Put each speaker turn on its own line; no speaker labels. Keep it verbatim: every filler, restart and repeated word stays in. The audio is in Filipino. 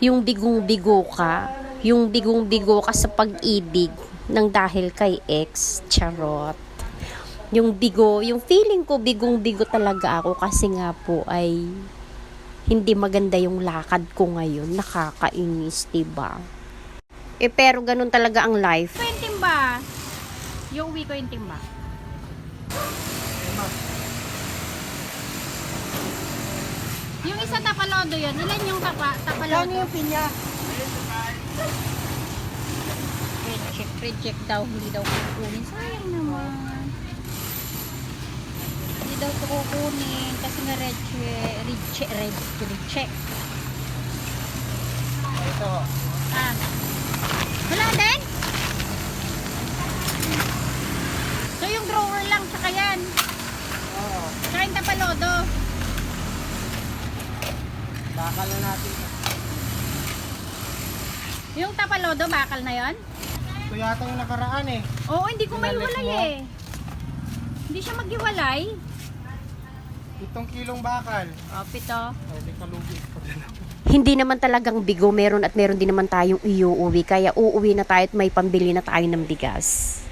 yung bigong-bigo ka, yung bigong-bigo ka sa pag-ibig ng dahil kay ex, charot. Yung bigo, yung feeling ko bigong-bigo talaga ako kasi nga po ay hindi maganda yung lakad ko ngayon, nakakainis, diba? Eh pero ganun talaga ang life.
Yung timba. Yung uwi ko yung timba. Yung isa tapalodo yun. Ilan yung tapa, tapalodo?
Ano yung pinya?
Reject, reject daw. Hindi daw kukunin. Sayang naman. Hindi daw ito kukunin. Kasi nga reject, reject, reject, reject.
Ito.
Ah. Wala din? So yung drawer lang, tsaka yan.
Oo.
Tsaka yung tapalodo.
Bakal na natin.
Yung tapalodo, bakal na yon?
Ito yata yung nakaraan eh.
Oo, hindi ko
Pinalit
maiwalay
mo?
eh. Hindi siya maghiwalay.
Itong kilong bakal.
O, pito.
Ay, di kalugi.
Hindi naman talagang bigo, meron at meron din naman tayong iuuwi, kaya uuwi na tayo at may pambili na tayo ng bigas.